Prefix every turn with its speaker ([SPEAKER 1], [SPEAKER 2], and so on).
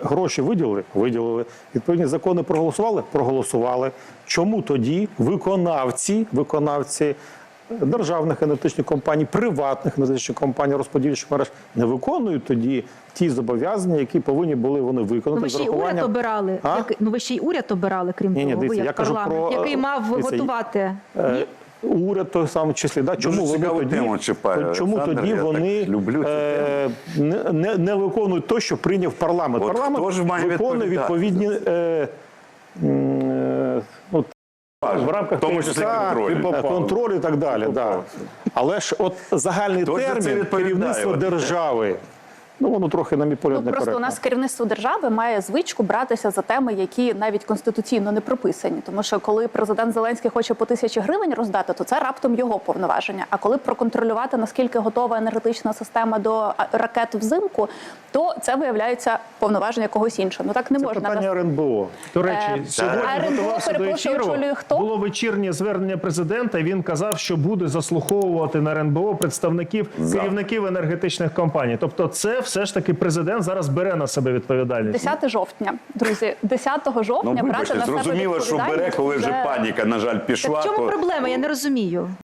[SPEAKER 1] гроші виділили? Виділили. Відповідні закони проголосували? Проголосували. Чому тоді виконавці державних енергетичних компаній, приватних енергетичних компаній, розподільчих мереж не виконують тоді ті зобов'язання, які повинні були вони виконати?
[SPEAKER 2] Ви ще й уряд обирали. Ви ще й уряд обирали, крім того, ви як парламент, який мав готувати.
[SPEAKER 1] Уряд той самий числі. Чому тоді вони не виконують те, що прийняв парламент? Парламент виконує відповідні в рамках контролю і так далі. Але ж от загальний термін керівництва держави, воно трохи, на мій погляд, некоректно.
[SPEAKER 3] Просто у нас керівництво держави має звичку братися за теми, які навіть конституційно не прописані. Тому що коли президент Зеленський хоче по 1000 гривень роздати, то це раптом його повноваження. А коли проконтролювати, наскільки готова енергетична система до ракет взимку, то це виявляється повноваження когось іншого. Ну так не можна.
[SPEAKER 1] Це питання РНБО.
[SPEAKER 4] До речі, сьогодні готувався до ефіру, було вечірнє звернення президента, і він казав, що буде заслуховувати на РНБО представників, керівників енергетичних компаній. Тобто це все ж таки президент зараз бере на себе відповідальність.
[SPEAKER 3] 10 жовтня, друзі, 10 жовтня брати на себе відповідальність.
[SPEAKER 5] Зрозуміло, що бере, коли вже паніка, на жаль, пішла.
[SPEAKER 2] Так в чому проблема? Я не розумію.